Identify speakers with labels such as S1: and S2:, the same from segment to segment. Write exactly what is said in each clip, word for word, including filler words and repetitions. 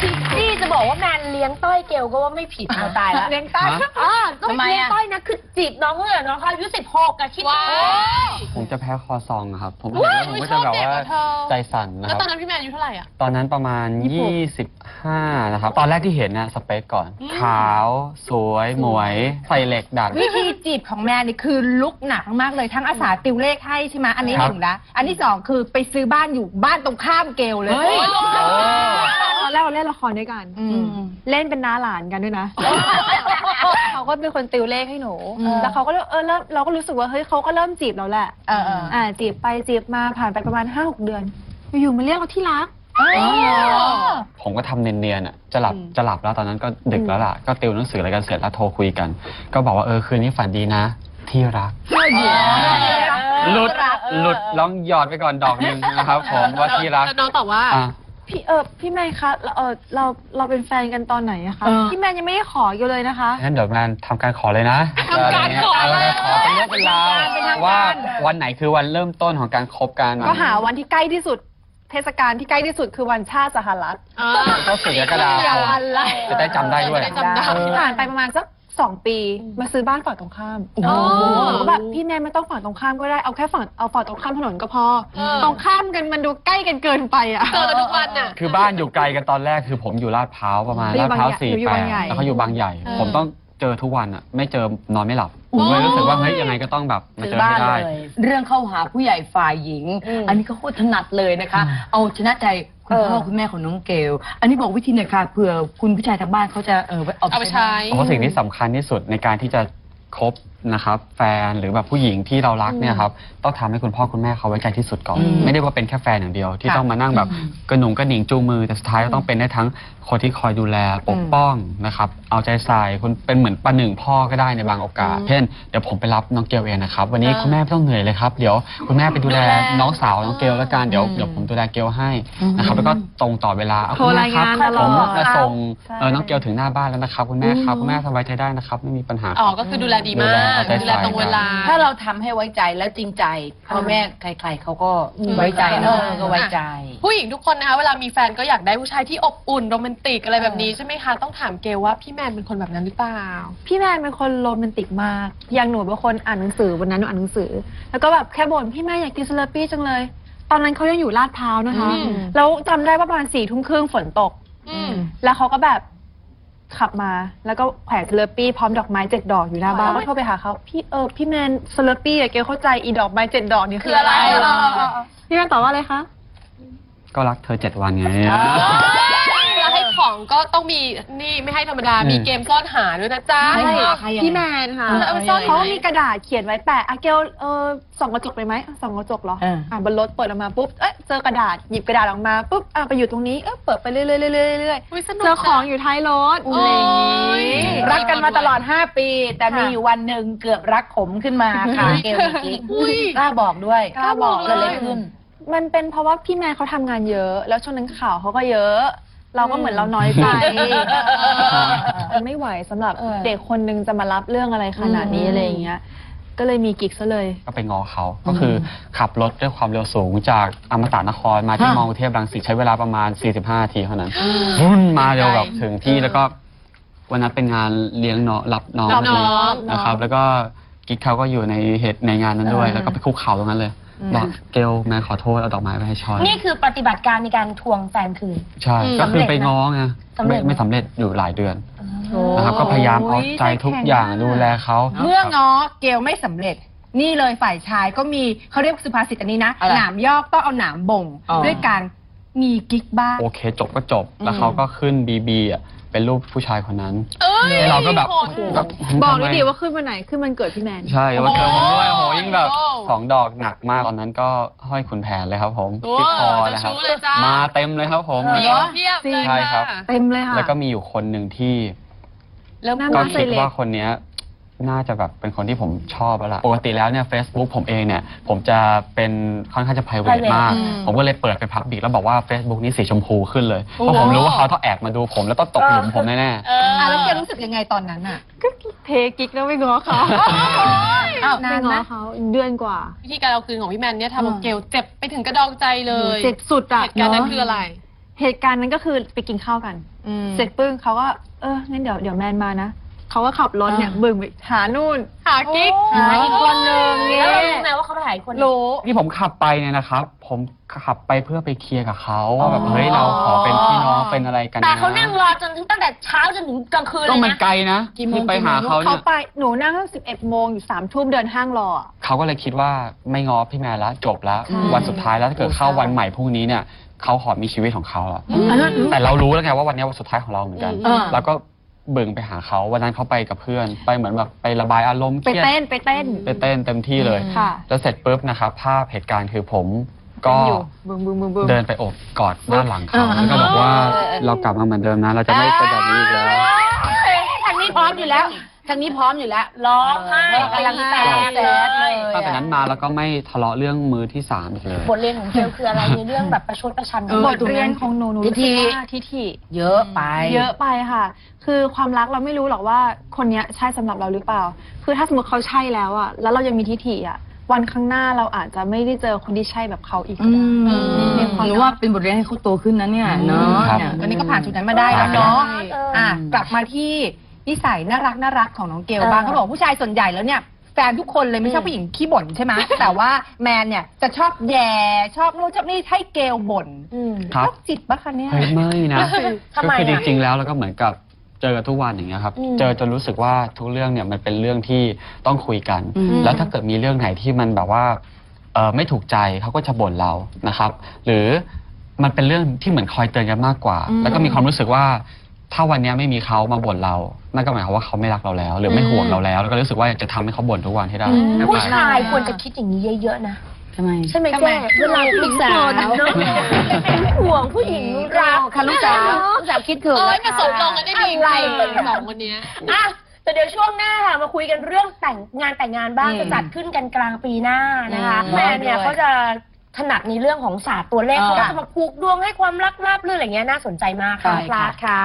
S1: นี่จะบอกว่าแมนเลี้ยงต้อยเกลก็ว่าไม่ผิดเอาตายแล้วเลี้ยงต้อยอ๋อก็ไม่เลี้ยงต้อยนะคือจีบน้องเลยน้องเขาอายุสิบหกอะคิดว่า
S2: ผมจะแพ้คอซองครับผมเห็นแล้วผมก็จะแบบว่าใจสั่นนะครับแล้วตอนนั้นพี่แมนอายุเท่าไหร่อ่ะตอนนั้นประมาณยี่สิบห้านะครับตอนแรกที่เห็นนะสเปคก่อนขาวสวยหมวยใส่เหล็กดัด
S1: วิธีจีบของแมนนี่คือลุกหนักมากเลยทั้งอาสาติวเลขให้ใช่ไหมอันนี้หนึ่งนะอันที่สองคือไปซื้อบ้านอยู่บ้านตรงข้ามเกลเลย
S3: ตอนแรกเราเล่นละครด้วยกันเล่นเป็นน้าหลานกันด้วยนะเขาก็เป็นคนติวเลขให้หนูแล้วเขาก็เออแล้วเราก็รู้สึกว่าเฮ้ยเขาก็เริ่มจีบเราแหละอ่าจีบไปจีบมาผ่านไปประมาณห้าหกเดือนอยู่มาเรียกเราที่รัก
S2: ผมก็ทำเนียนๆอ่ะจะหลับจะหลับแล้วตอนนั้นก็ดึกแล้วล่ะก็ติวหนังสืออะไรกันเสร็จแล้วโทรคุยกันก็บอกว่าเออคืนนี้ฝันดีนะที่รักหลุดหลุดลองหยอดไปก่อนดอกนึงนะครับผมว่าที่รัก
S4: น้องตอบว่า
S3: พี่เออพี่แมนคะเออเราเราเป็นแฟนกันตอนไหนอะคะพี่แมนยังไม่ได้ขออยู่เลยนะคะ
S2: งั้นเดี๋ยวแมนทำการขอเลยนะ
S4: ทำการขอเลย
S2: ขอเป็นเรื่องเป็นราวว่าวันไหนคือวันเริ่มต้นของการคบกัน
S3: ก็หาวันที่ใกล้ที่สุดเทศกาลที่ใกล้ที่สุดคือวันชาติสหรัฐ
S2: ก็สี่กรกฎาคมจะได้จำได้ด้วย
S3: ผ่านไปประมาณสักสองปีมาซื้อบ้านฝั่งตรงข้ามก็แบบพี่แนนไม่ต้องฝั่งตรงข้ามก็ได้เอาแค่ฝั่งเอาฝั่งตรงข้ามถนนก็พอตรงข้ามกันมันดูใกล้กันเกินไปอ่ะ
S4: เจอทุกวันอ่ะ
S2: คือบ้านอยู่ไกลกันตอนแรกคือผมอยู่ลาดพร้าวประมาณลาดพร้าวสี่แปดแล้วเขาอยู่บางใหญ่ผมต้องเจอทุกวันอ่ะไม่เจอนอนไม่หลับผมเลยรู้สึกว่าเฮ้ยยังไงก็ต้องแบบมาเจอให้ได้
S1: เรื่องเข้าหาผู้ใหญ่ฝ่ายหญิงอันนี้ก็โคตรถนัดเลยนะคะเอาชนะใจคุณพ่อคุณแม่ของน้องเกลอันนี้บอกวิธีหน่อยค่ะเผื่อคุณผู้ชายทางบ้านเขาจะเออ
S4: เอาไปใช้
S2: เพราะสิ่งที่สำคัญที่สุดในการที่จะคบนะครับแฟนหรือแบบผู้หญิงที่เรารักเนี่ยครับต้องทำให้คุณพ่อคุณแม่เขาไว้ใจที่สุดก่อนไม่ได้ว่าเป็นแค่แฟนอย่างเดียวที่ต้องมานั่งแบบกระหนุงกระหนิงจูงมือแต่สุดท้ายก็ต้องเป็นได้ทั้งคนที่คอยดูแลปกป้องนะครับเอาใจใส่คุณเป็นเหมือนประหนึ่งพ่อก็ได้ในบางโอกาสเช่นเดี๋ยวผมไปรับน้องเกลเองนะครับวันนี้คุณแม่ไม่ต้องเหนื่อยเลยครับเดี๋ยวคุณแม่ไปดูแลน้องสาวน้องเกลแล้วกันเดี๋ยวเดี๋ยวผมดูแลเกลให้นะครับแล้วก็ตรงต่อเวลา
S3: คุณแม่ครับ
S2: ผมจะส่งน้องเกลถึงหน้าบ้านแล้วนะครับคุณแม่ครับคุณแม่สบายใจได้นะครับไม่มีปัญหา
S4: อ๋อก็คือดูแลดีมากดูแลตรงเวลา
S1: ถ้าเราทำให้ไว้ใจแล้วจริงใจพ่อแม่ใครๆเขาก็ไว้ใจนะก็ไว้ใจ
S4: ผู้หญิงทุกคนนะคะเวลามีแฟนก็อยากได้ผู้ชายที่อบอุ่นโรแมนติกอะไรแบบนี้ใช่ไหมคะต้องถามเกลว่าพี่แมนเป็นคนแบบนั้นหรือเปล่า
S3: พี่แมนเป็นคนโรแมนติกมากอย่างหนูเป็นคนอ่านหนังสือวันนั้นหนูอ่านหนังสือแล้วก็แบบแค่บ่นพี่แมนอยากกินสลัดปี้จังเลยตอนนั้นเขายังอยู่ลาดพร้าวนะคะแล้วจำได้ว่าประมาณสี่ทุ่มครึ่งฝนตกแล้วเขาก็แบบขับมาแล้วก็แขวนสเลอปี้พร้อมดอกไม้เจ็ดดอกอยู่หน้าบ้านก็โทรไปหาเขาพี่เออพี่แมนสเลอปี้อะเกลเข้าใจอีดอกไม้เจ็ดดอกนี่คืออะไรพี่แมนตอบว่าอะไรคะ
S2: ก็รักเธอเจ็ดวันไง
S4: แล้วให้ของก็ต้องมีนี่ไม่ให้ธรรมดามีเกมซ่อนหาด้วยนะจ๊ะ
S3: พี่แมนค่ะเขามีกระดาษเขียนไว้แปะอะเกลเออส่องกระจกไปไหมส่องกระจกเหรออ่าบนรถเปิดออกมาปุ๊บเอ๊ะเจอกระดาษหยิบกระดาษออกมาปุ๊บอ่ะไปอยู่ตรงนี้เอ๊ะเปิดไปเรื่อยๆเรื่อยๆเรื่อยๆเจอของอยู่ท้ายรถอะไร
S1: รักกันมาตลอดห้าปีแต่มีอยู่วันหนึ่งเกือบรักขมขึ้นมาค่ะเกลกล้าบอกด้วย
S3: กล้าบอก
S1: เกิดอะไรขึ้น
S3: มันเป็นเพราะว่าพี่แมนเขาทำงานเยอะแล้วช่วงนั้นข่าวเขาก็เยอะเราก็เหมือนเราน้อยใจมันไม่ไหวสำหรับเด็กคนนึงจะมารับเรื่องอะไรขนาดนี้อะไรอย่างเงี้ยก็เลยมีกิ๊กซะเลย
S2: ก็ไปงอเขาก็คือขับรถด้วยความเร็วสูงจากอมตะนครมาที่มอกรุงเทพรังสิตใช้เวลาประมาณสี่สิบห้านาทีเท่านั้นรุ่นมาเร็วแบบถึงที่แล้วก็วันนั้นเป็นงานเลี้ยงน้องรับน้องนะครับแล้วก็กิ๊กเขาก็อยู่ในเหตุในงานนั้นด้วยแล้วก็ไปคุกเข่าตรงนั้นเลยบอกเกลแม่ขอโทษเอาดอกไม้ไปให้ชอน
S1: นี่คือปฏิบัติการในการทวงแฟนคืน
S2: ใช่ก็คือไปง้อไงไม่ไม่สำเร็จอยู่หลายเดือนนะครับก็พยายามเอาใจทุกอย่างดูแลเขา
S1: เมื่อง้อเกลไม่สำเร็จนี่เลยฝ่ายชายก็มีเขาเรียกสุภาษิตอันนี้นะหนามยอกต้องเอาหนามบ่งด้วยการมีกิ๊กบ้าง
S2: โอเคจบก็จบแล้วเขาก็ขึ้นบีบีอ่ะเป็นรูปผู้ชายคนนั้นเราก็แบบ
S3: บอกเลยดิว่าขึ้นวันไหนขึ้นวันเกิดพี่แมน
S2: ใช่วันเกิดผมด้วยโหยิ่งแบบสองดอกหนักมากตอนนั้นก็ห้อยขุนแผนเลยครับผมที่คอนะครับมาเต็มเลยครับผมใช่ครับ
S3: เต็มเลยค่ะ
S2: แล้วก็มีอยู่คนหนึ่งที่ก็คิดว่าคนนี้น่าจะแบบเป็นคนที่ผมชอบแล้วล่ะปกติแล้วเนี่ย Facebook ผมเองเนี่ยผมจะเป็นค่อนข้างจะ private มากผมก็เลยเปิดเป็น public แล้วบอกว่า Facebook นี้สีชมพูขึ้นเลยเพราะผมรู้ว่าเขาต้องแอบมาดูผมแล้วต้องตกหลุมผมแน่
S1: ๆอ่าแล้วเกลรู้สึกยังไงตอนนั้นอ่ะ
S3: ก็เทกิ๊กแล้วไม่ง้อเขานานนะเขาเดือนกว่า
S4: วิธีการเอาคืนของพี่แมนเนี่ยทำเอาเกลเจ็บไปถึงกระดองใจเลย
S3: เจ็บสุดอ่ะ
S4: เหตุการณ์นั้นคืออะไร
S3: เหตุการณ์นั้นก็คือไปกินข้าวกัน เสร็จปึ้งเขาก็เอองั้นเดี๋ยวเดี๋ยวแมนมานะเขาก็ขับรถเนี่ยบึ่งไปหานู่น
S4: หากิ๊ก
S3: หาอีกคนนึงเงี้
S5: แล้ว
S3: ย
S5: เรารู้ไหมว่าเขาไปหาอีกคน
S3: รู้
S2: ที่ผมขับไปเนี่ยนะครับ ผมขับไปเพื่อไปเคลียร์กับเขาว่าแบบเฮ้ยเราขอเป็นพี่น้องเป็นอะไรกันนะ
S5: แต่เขานั่งรอจนถึงตั้งแต่เช้าจนถึงกลางคืนเล
S2: ต้อง
S5: ย
S2: มัน
S5: นะ
S2: ไกลนะ
S1: กี่โมง
S2: ที่ไปหาเขา
S3: เขา
S2: เนี่ย
S3: ไปหนูนั่งตั้งสิบเอ็ดโมงอยู่สามทุ่มเดินห้างรออะ
S2: เขาก็เลยคิดว่าไม่ง้อพี่แมนแล้วจบแล้ว
S1: ค่ะ
S2: วันสุดท้ายแล้วถ้าเกิดเข้าวันใหม่พรุ่งนี้เนี่ยเขาขอมีชีวิตของเขาอะ
S1: อันนั้น
S2: แต่เรารู้แล้วไงว่าวันนี้วันสุดท้ายของเราเหมือนกัน
S1: อืม
S2: แล้วก็เบิ่งไปหาเขาวันนั้นเขาไปกับเพื่อน ไปเหมือนแบบไประบายอารมณ์เค
S3: ไป
S2: รียด
S3: เต้นไปเต้น
S2: ไปเต้นเต็มที่เลย
S3: ค่ะ
S2: แล้วเสร็จปุ๊บนะครับภาพเหตุการณ์คือผมก็
S3: อยู่บึ้งบึ้งบึ้งบึ้ง
S2: เดินไปโอบกอดด้านหลังเขา
S1: อ่า
S2: แล้วก็บอกว่าเรากลับมาเหมือนเดิมนะ เราจะไม่เป็นแบบนี้อีกแล้ว
S5: ทางนี้พร้อมอยู่แล้วทางนี้พร้อมอยู่แล้วร้องไห้กำลังแตกเลย
S2: ตั้งแต่นั้นมาแล้วก็ไม่ทะเลาะเรื่องมือที่สามอีกเลย
S5: บทเรียนของเกลคืออะไรในเรื่องแบบประชดประชัน
S1: เออ
S3: บทเรียนของหนูหนูรู้สึกว่าทิฐิ
S1: เยอะไป
S3: เยอะไปค่ะ คือความรักเราไม่รู้หรอกว่าคนเนี้ยใช่สำหรับเราหรือเปล่า คือถ้าสมมติเขาใช่แล้วอะแล้วเรายังมีทิฐิอะวันข้างหน้าเราอาจจะไม่ได้เจอคนที่ใช่แบบเขาอีกก็
S1: อื
S3: ได้
S1: ม
S3: มีความ
S1: หนูว่าเป็นบทเรียนให้เขาโตขึ้นนะเนี่ยเนาะ
S2: ครับ
S1: เนี่ย
S6: วันนี้ก็ผ่านจุดนั้นมาได้แล้วเนาะ
S3: ใช่
S6: อ่ะกลับมาที่นิสัยน่ารักน่ารักของน้องเกลบ้างเขาบอกว่าผู้ชายส่วนใหญ่แล้วเนี่ยแฟนทุกคนเลยไม่ชอบผู้หญิงขี้บ่นใช่ไหม แต่ว่าแมนเนี่ยจะชอบแย่ชอบนู่นชอบนี่ให้เกลบ่น
S2: ครับ
S6: โรคจิตปะคะเนี่ย
S2: เฮ้ยไม่นะ
S5: ทำไม
S2: ก็
S5: อะ
S2: คือจริงๆแล้วแล้วก็เหมือนกับเจอกันทุกวันอย่างเงี้ยครับ
S5: อืม
S2: เจอจนรู้สึกว่าทุกเรื่องเนี่ยมันเป็นเรื่องที่ต้องคุยกัน
S1: อืม
S2: แล้วถ้าเกิดมีเรื่องไหนที่มันแบบว่าเออไม่ถูกใจเขาก็จะบ่นเรานะครับ หรือมันเป็นเรื่องที่เหมือนคอยเตือนกันมากกว่า แล้วก็มีความรู้สึกว่า ถ้าวันนี้ไม่มีเขามาบ่นเรา นั่นก็หมายความว่าเขาไม่รักเราแล้ว หรือไม่ห่วงเราแล้ว แล้วก็รู้สึกว่าจะทำให้เขาบ่นทุกวันให้ได้
S5: ผู้ชายควรจะคิดอย่างนี้เยอะๆนะ
S1: ทำไม
S5: ใช่ไหม
S6: ทำไม
S5: แก้เวลาผู้หญิงบ่นเนอะเป็นห่วงผู้หญิงรัก
S6: ค่ะลูกสาวลูกสาวคิดถึง
S4: เอ้ย
S6: นะ
S4: ผ
S6: คะ
S4: สมลงกันได้ดี
S5: อะไร
S4: เลยสองคนเนี้ย
S5: อ่ะแต่เดี๋ยวช่วงหน้าค่ะมาคุยกันเรื่องแต่งงานแต่งงานบ้าง
S1: อืม
S5: จะจัดขึ้นกันกลางปีหน้านะคะ
S1: อืม
S5: แม่เนี่ยเขาจะถนัดในเรื่องของศาสตร์ตัวเลข
S1: อ่า
S5: เขาก็จะมาผูกดวงให้ความรักราบรื่นอะไรเงี้ยน่าสนใจมากค่ะ
S1: ใช่
S5: พลาดค่ะ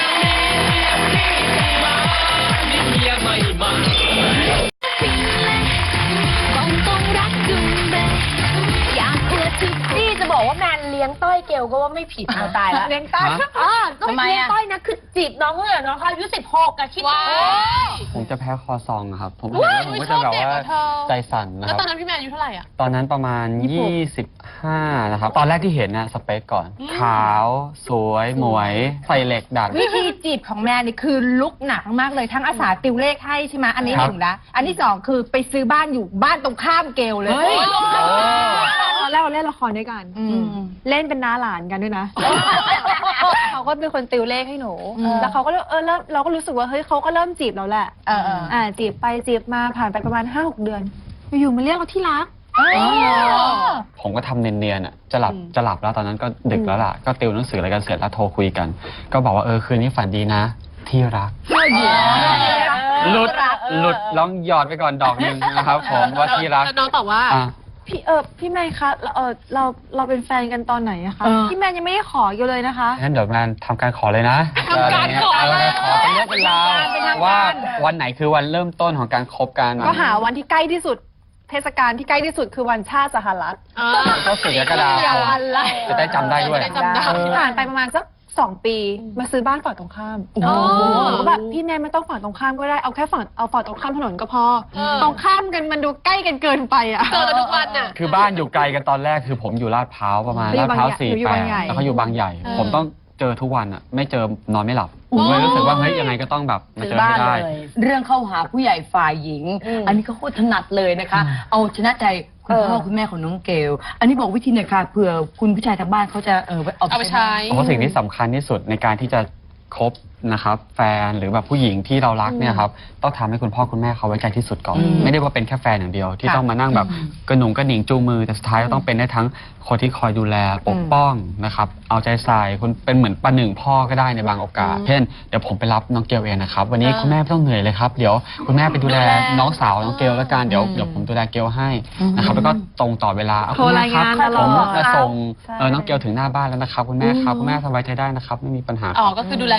S5: นี่จะบอกว่าแมนเลี้ยงต้อยเกลก็ว่าไม่ผิดเอาตายแล้ว
S6: เลี้ยงต้อย
S5: อ่าก็
S1: ทำไม
S5: ไม่เลี้ยง
S1: อะ
S5: ต้อยนะคือจีบน้องเมื่อน้องเขาอายุสิบหกอะคิด
S4: ว้า
S5: ดู
S4: ว
S2: ผมจะแพ้คอซองอะครับ ผม
S4: ว้าย
S2: ผมก็จะแบบว่า
S4: ชอบเด็กเหรอเธอ
S2: ใจสั่นนะ
S4: แล้ว
S2: ครับ
S4: ตอนนั้นพี่แมนอายุเท่าไหร่อ่ะ
S2: ตอนนั้นประมาณ ยี่สิบห้า นะครับ ตอนแรกที่เห็นนะสเปคก่อน
S4: อืม
S2: ขาว สวย หมวย ใส่เหล็กดัด
S6: วิธีจีบของแมนนี่คือลุกหนักมากเลยทั้งอาสาติวเลขให้ใช่ไหมอันนี้
S2: ค
S6: ห
S2: รับ
S6: นึ่งนะอันที่สองคือไปซื้อบ้านอยู่บ้านตรงข้ามเกลเลย
S1: เฮ้ย
S3: ตอนแรกเราเล่นละครด้วยกัน
S6: อืม
S3: เล่นเป็นน้าหลานกันด้วยนะ เขาก็เป็นคนติวเลขให้หนู
S6: อืม
S3: แล้วเขาก็เริ่มเออเริ่มเราก็รู้สึกว่าเฮ้ยเขาก็เริ่มจีบเราแหละ
S6: เออเออ
S3: อ่าจีบไปจีบมาผ่านไปประมาณห้าหกเดือน อยู่ๆมาเรียกเราที่รัก
S2: ผมก็ทำเนียนๆอ่ะ จะหลับ จะหลับแล้วตอนนั้นก็ดึกแล้วล่ะ ก็ติวหนังสืออะไรกันเสร็จแล้วโทรคุยกัน ก็บอกว่าเออคืนนี้ฝันดีนะ ที่รัก หลุด หลุดลองหยอดไปก่อนดอกหนึ่งนะครับผมว่าที่รัก
S4: แล้วน้องตอบว่า
S2: อ่ะ
S3: พี่เออพี่แมนคะเราเออเราเราเป็นแฟนกันตอนไหนอะคะ
S1: เออ
S3: พี่แมนยังไม่ได้ขออยู่เลยนะคะ
S2: งั้นเดี๋ยวงานทำการขอเลยนะ
S4: ทำการขอ
S2: เอ
S4: เลย
S2: ขอเป็นเรื่องเป็นราว
S3: เป็นทางการ
S2: ว่าวันไหนคือวันเริ่มต้นของการคบกัน
S3: ก็หาวันที่ใกล้ที่สุด เทศกาลที่ใกล้ที่สุดคือวันชาติสหรัฐ
S4: อ่า
S2: ก็สิบกรกฎาคม
S3: อะไร
S2: จะได้จำได้ด้วย
S4: จะได้จำได้
S3: ผ่านไปประมาณสักสองปีมาซื้อบ้านฝั่งตรงข้าม
S4: โอ้
S3: หนูก็แบบพี่แมนไม่ต้องฝั่งตรงข้ามก็ได้เอาแค่ฝั่งเอาฝั่งตรงข้ามถนนก็พอ
S4: เออ
S3: ตรงข้ามกันมันดูใกล้กันเกินไปอะ
S4: เจอกันทุกวันน่ะ
S2: คือบ้านอยู่ไกลกันตอนแรกคือผมอยู่ลาดพร้าวประมาณ
S3: เขาอยู่
S2: ลาดพร้าว
S3: บางใหญ่
S2: สี่
S3: หนูอยู่
S2: แป
S3: บา
S2: ด
S3: งใหญ่
S2: แล้วเขาอยู่บางใหญ่
S4: เออ
S2: ผมต้องเจอทุกวันอ่ะไม่เจอนอนไม่หลับผมเลยรู้สึกว่าเฮ้ยยังไงก็ต้องแบบมาเจอให้ได้
S1: เรื่องเข้าหาผู้ใหญ่ฝ่ายหญิง
S5: อืม
S1: อันนี้ก็โคตรถนัดเลยนะคะ เอาชนะใจคุณพ่อคุณแม่ของน้องเกล อันนี้บอกวิธีหน่อยค่ะเผื่อคุณผู้ชายทางบ้านเขาจะเออ
S4: เอาไปใช้
S2: เพราะสิ่งที่สำคัญที่สุดในการที่จะคบนะครับแฟนหรือแบบผู้หญิงที่เรารักเนี่ยครับต้องทำให้คุณพ่อคุณแม่เขาไว้ใจที่สุดก่อน
S1: อืม
S2: ไม่ได้ว่าเป็นแค่แฟนอย่างเดียว ที่
S6: ค่ะ
S2: ต้องมานั่งแบบกระหนุงกระหนิงจูงมือแต่สุดท้ายก็ต้องเป็นได้ทั้งคนที่คอยดูแลปกป้องนะครับเอาใจใส่คุณเป็นเหมือนประหนึ่งพ่อก็ได้ในบางโอกาสเช่นเดี๋ยวผมไปรับน้องเกลเองนะครับวันนี้คุณแม่ไม่ต้องเหนื่อยเลยครับเดี๋ยวคุณแม่ไปดูแลน้องสาวน้องเกลแล้วกันเดี๋ยวเดี๋ยวผมดูแลเกลให้นะครับแล้วก็ตรงต่อเวลาเอา
S3: โทร
S2: คุณแม่
S3: ราย
S2: ครั
S3: งา
S2: บ
S3: นตลอ
S2: ผม
S3: ด
S2: จะส่ง
S3: ใช่
S2: เออน้องเกลถึงหน้าบ้านแล้วนะครับคุณแม่ครับคุณแม่สบายใจได้นะครับไม่มีปัญหา
S4: อ๋อ ก็คือดูแลดีมาก
S2: ดูแล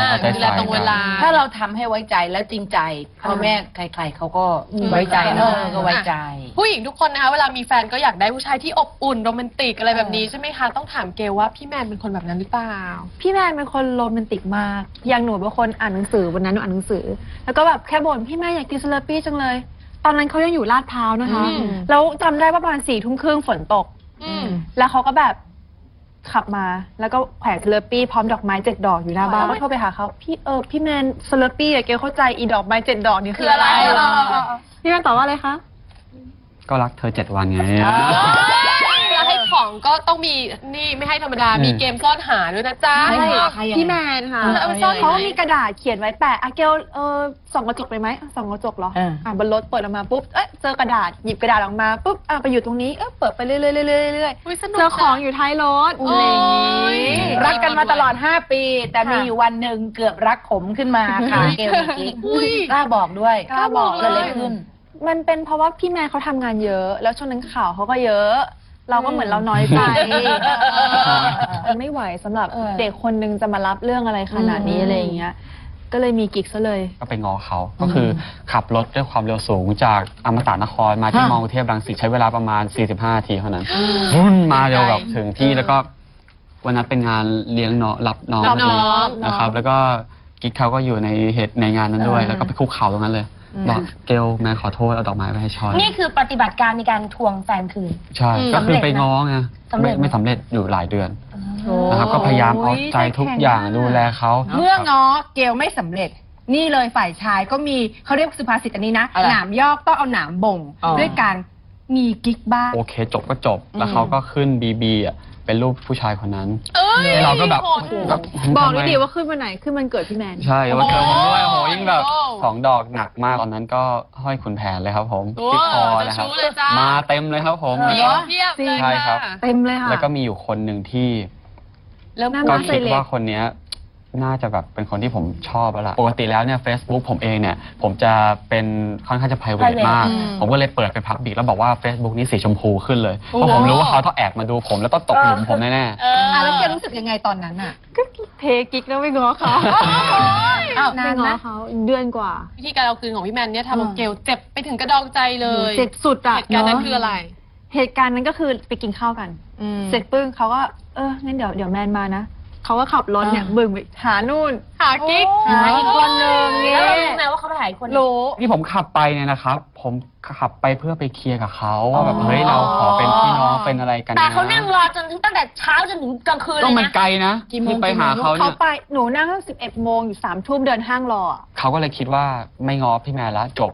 S2: เอาใจ
S4: ดูแล
S2: ใส่
S4: ตรงเวลา
S5: ถ้าเราทำให้ไว้ใจแล้วจริงใจพ่อแม่ใครๆเขาก็ไว้ใจเนอะก็ไว้ใจ
S4: ผู้หญิงทุกคนนะคะเวลามีแฟนก็อยากได้ผู้ชายที่อบอุ่นโรแมนติกอะไรแบบนี้ใช่ไหมคะต้องถามเกลว่าพี่แมนเป็นคนแบบนั้นหรือเปล่า
S3: พี่แมนเป็นคนโรแมนติกมาก อย่างหนูเป็นคนอ่านหนังสือวันนั้นหนูอ่านหนังสือ แล้วก็แบบแค่บ่นพี่แมนอยากกินสลัดปี้จังเลย ตอนนั้นเขายังอยู่ลาดพร้าวนะคะ
S4: อืม
S3: แล้วจำได้ว่าประมาณสี่ทุ่มครึ่งฝนตก
S4: อืม
S3: แล้วเขาก็แบบขับมาแล้วก็แขวนสลัดปี้พร้อมดอกไม้เจ็ดดอกอยู่หน้าบ้านก็โทรไปหาเขาพี่เออพี่แมนสลัดปี้อะเกลเข้าใจอีดอกไม้เจ็ดดอกนี่คืออะไร
S4: คืออะไร
S3: พี่แมนตอบว่าอะไรคะ
S2: ก็รักเธอเจ็ดวันไง
S4: แล้วให้ของก็ต้องมีนี่ไม่ให้ธรรมดา
S2: อืม
S4: มีเกมซ่อนหาด้วยนะจ๊ะ
S1: ใช่ใครยังไง
S3: พี่แมนค่ะ
S4: เออเอาไปซ่อน
S3: เขามีกระดาษเขียนไว้แปะอะเกลเออส่องกระจกไปไหมอ่ะส่องกระจกเหรอ
S1: เอออ่
S3: อ่ะบนรถเปิดออกมาปุ๊บเอ๊ะเจอกระดาษหยิบกระดาษออกมาปุ๊บอ่ะไปอยู่ตรงนี้เออเปิดไปเรื่อยๆเรื่อยๆเรื่อย
S4: อุ๊ยสนุ
S3: ๆ
S4: ก
S3: เจอของอยู่ท้ายรถ
S4: โอ้
S3: อะไรอย่าง
S4: ย
S3: งี้
S5: รักกันมาตลอดห้าปี แต่มีอยู่วันหนึ่งเกือบรักขมขึ้นมาค่ะเกลมีกิ๊ก
S4: อุ๊ย
S5: กล้าบอกด้วย
S3: กล้าบอก
S5: เกิดอะไรขึ้น
S3: มันเป็นเพราะว่าพี่แมนเขาทำงานเยอะ แล้วช่วงนั้นข่าวเขาก็เยอะ เราก็เหมือนเราน้อยใจมันไม่ไหวสำหรับ
S5: เออ
S3: เด็กคนนึงจะมารับเรื่องอะไรขนาดนี้อะไรอย่างเงี้ย ก็เลยมีกิ๊กซะเลย
S2: ก็ไปง้อเขาก็คือขับรถด้วยความเร็วสูงจากอมตะนครมาที่
S1: ฮะ
S2: มอกรุงเทพรังสิตใช้เวลาประมาณ สี่สิบห้านาทีเท่านั้นวุ่นมาเร็วแบบถึงที่แล้วก็วันนั้นเป็นงานเลี้ยงน้องรับน้อง
S4: รับน้อง
S2: นะครับ แล้วก็กิ๊กเขาก็อยู่ในเหตุในงานนั้นด้วย แล้วก็ไปคุกเข่าตรงนั้นเลยบอกเกลแม่ขอโทษเอาดอกไม้ไปให้ชอย
S7: นี่คือปฏิบัติการในการทวงแฟนคืน
S2: ใช่
S4: อืม
S2: ก็คือไปง้อไง
S7: สำเร็
S2: ไม่
S7: จไหม
S2: ไม่สำเร็จอยู่หลายเดือนนะครับ ก็พยายามเอาใจทุกอย่างดูแลเขา
S6: เมื่อง้อเกลไม่สำเร็จ นี่เลยฝ่ายชายก็มีเขาเรียกสุภาษิตอันนี้นะ
S1: อะไร
S6: หนามยอกต้องเอาหนามบ่ง
S1: อ๋อ
S6: ด้วยการมีกิ๊กบ้าง
S2: โอเคจบก็จบ แล้วเขาก็ขึ้นบีบีอ่ะเป็นรูปผู้ชายคนนั้น
S4: เอ้ย
S2: เราก็แบบ
S4: โหด
S2: แบบ
S3: บอก
S2: ทำ
S3: ด้
S2: ไม
S3: วยดิว่าขึ้นวันไหนขึ้นวันเกิดพี่แมน
S2: ใช่วันเกิดผมด้วยโหยิ่งแบบ
S4: โอ้
S2: สองดอกหนักมากตอนนั้นก็ห้อยขุนแผนเลยครับผม
S4: โอ้
S2: ที่คอนะครับ
S4: เจ้าชู้เลยจ้าม
S2: มาเต็มเลยครับผม
S4: มี
S2: แล้วก็
S4: เพียบเลย
S2: ใช่ครับ
S4: ะ
S3: เต็มเลยค่ะ
S2: แล้วก็มีอยู่คนหนึ่งที่
S3: แล้วหน้า
S2: ก็
S3: บ้าน
S2: คิด
S3: เล็ก
S2: ว่าคนเนี้ยน่าจะแบบเป็นคนที่ผมชอบแล้วล่ะปกติแล้วเนี่ย Facebook ผมเองเนี่ย ผมจะเป็นค่อนข้างจะ private
S7: private
S2: มาก
S4: อืม
S2: ผมก็เลยเปิดไปพับบิกแล้วบอกว่า Facebook นี้สีชมพูขึ้นเลย เพราะผมรู้ว่าเขาต้องแอบมาดูผมแล้วต้องตกหลุมผมแน่
S4: เออ
S6: อ่ะแล้วเกลรู้สึกยังไงตอนนั้นอ่ะ
S3: เทกิ๊กแล้วไม่ง้อเขา
S6: อ้าว
S3: ไม่
S6: นาน
S3: ง้
S6: ไหม
S3: อเขาเดือนกว่า
S4: วิธีการเอาคืนของพี่แมนเนี่ยทำเอาเกลเจ็บไปถึงกระดองใจเลย
S3: เจ็บสุดอะ
S4: เหตุการณ์นั้น
S3: เนอะ
S4: คืออะไร
S3: เหตุการณ์นั้นก็คือไปกินข้าวกัน เสร็จปึ้งเขาก็เอองั้นเดี๋ยวเดี๋ยวแมนมานะเขาก็ขับรถเนี่ยบึ่งไปหานู่น
S4: หากิ๊ก
S3: หาอีกคนนึงเนี่
S7: แล้ว
S3: ย
S7: เรารู้ไหมว่าเขาไปหาอีกคน
S3: รู้
S2: ๆที่ผมขับไปเนี่ยนะครับ ผมขับไปเพื่อไปเคลียร์กับเขาว่าแบบเฮ้ยเราขอเป็นพี่น้องเป็นอะไรกันนะ
S7: แต่เขานั่งรอจนถึงตั้งแต่เช้าจนถึงกลางคืนเล
S2: ต้อง
S7: ย
S2: มัน
S7: นะ
S2: ไกลนะที่ไปหาเขา
S3: เขา
S2: เนี่ย
S3: ไปหนูนั่งตั้งสิบเอ็ดโมงอยู่สามทุ่มเดินห้างรออะ
S2: เขาก็เลยคิดว่าไม่ง้อพี่แมนแล้วจบ